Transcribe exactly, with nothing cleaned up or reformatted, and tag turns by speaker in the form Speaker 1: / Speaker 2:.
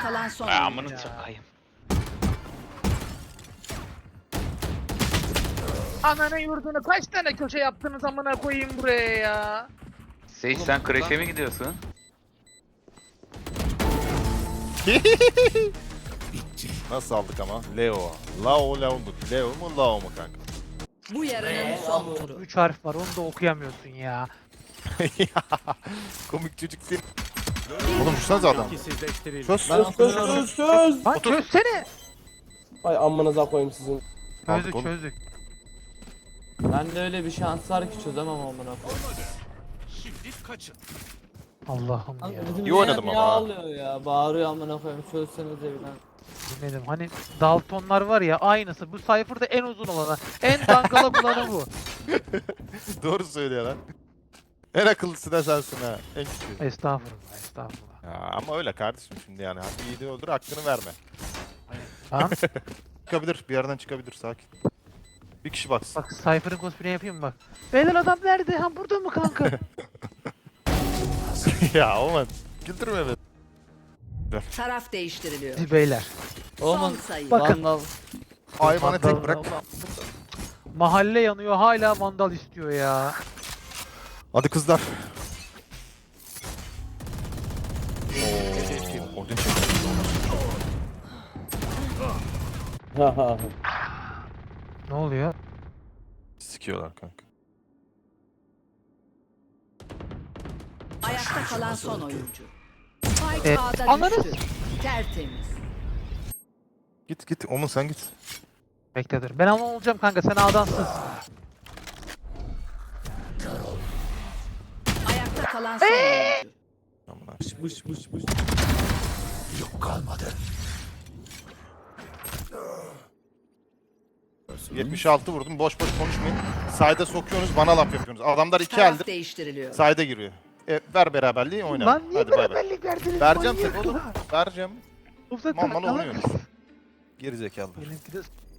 Speaker 1: kalan son
Speaker 2: Ay,
Speaker 1: oyuncu.
Speaker 2: amını sokayım.
Speaker 3: Ananı yurdunu kaç tane köşe yaptınız amına koyayım buraya ya.
Speaker 2: Sage sen crash'e mi gidiyorsun?
Speaker 4: Nasıl aldık ama? Leo. Lao Lao'luk. Leo mu Lao mu kanka?
Speaker 1: Bu yarının son turu.
Speaker 3: Üç harf var onu da okuyamıyorsun ya.
Speaker 4: Komik çocuk seni. Oğlum şursanız adam. Çöz.
Speaker 5: Ben çöz çöz çöz.
Speaker 3: Lan çözsene.
Speaker 5: Ay amınıza koyayım sizin.
Speaker 4: Aldık
Speaker 3: Çözdük
Speaker 4: oğlum.
Speaker 3: çözdük.
Speaker 5: Ben de öyle bir şans var ki çözemem amına koyayım.
Speaker 3: Allah'ım
Speaker 5: Kanka
Speaker 3: ya.
Speaker 5: bizim
Speaker 4: İyi oynadım
Speaker 5: Zeynep
Speaker 4: ama
Speaker 5: ya
Speaker 4: ha.
Speaker 5: ağlıyor ya. Bağırıyor amına koyayım. Çözsenize bilen.
Speaker 3: Bilmedim hani Daltonlar var ya aynısı. Bu Cypher'da en uzun olanı. En dangalak olanı bu.
Speaker 4: Doğru söylüyor lan. En akıllısı da sensin ha. En küçüğü.
Speaker 3: Estağfurullah estağfurullah.
Speaker 4: Ya ama öyle kardeşim şimdi yani. Hadi iyi de öldür hakkını verme.
Speaker 3: Tamam.
Speaker 4: Çıkabilir. Bir yerden çıkabilir. Sakin. Bir kişi baksın.
Speaker 3: Bak Cypher'ın cosplay'i yapayım mı bak. Beyler adam nerede? Ha burada mı kanka?
Speaker 4: ya aman. Güldürme beni.
Speaker 1: Taraf değiştiriliyor.
Speaker 3: Hadi beyler.
Speaker 1: Son
Speaker 5: Oğlum
Speaker 1: sayı.
Speaker 3: Bakın.
Speaker 5: Vandal.
Speaker 4: Hayvanı tek bırak.
Speaker 3: Mahalle yanıyor hala vandal istiyor ya.
Speaker 4: Hadi kızlar. Oo, Odin çekti.
Speaker 3: Ne oluyor?
Speaker 4: Sikiyorlar kanka.
Speaker 1: Ayakta kalan son oyuncu. Spike
Speaker 3: E,
Speaker 1: A'da
Speaker 3: ananı
Speaker 1: düştü. Tertemiz.
Speaker 4: Git git. Omun sen git.
Speaker 3: Bekle dur. Ben ama olacağım kanka sen A'dansın.
Speaker 1: Ayakta kalan son oyuncu.
Speaker 4: Aman ha.
Speaker 5: Bış bış bış.
Speaker 4: yetmiş altı vurdum. Boş boş konuşmayın. Sayda sokuyorsunuz, bana laf yapıyorsunuz. Adamlar iki
Speaker 1: Taraf
Speaker 4: eldir.
Speaker 1: değiştiriliyor.
Speaker 4: Sayda giriyor. E, ver beraberliği oynayalım.
Speaker 3: Lan niye
Speaker 4: Hadi bay bay.
Speaker 3: beraberlik verdiniz?
Speaker 4: Vereceğim
Speaker 3: Manyak
Speaker 4: tabii oğlum.
Speaker 3: ya.
Speaker 4: Vereceğim.
Speaker 3: Ufak
Speaker 4: Mal mal
Speaker 3: takla.
Speaker 4: oynuyorsunuz. Geri zekalı.
Speaker 3: Benimki de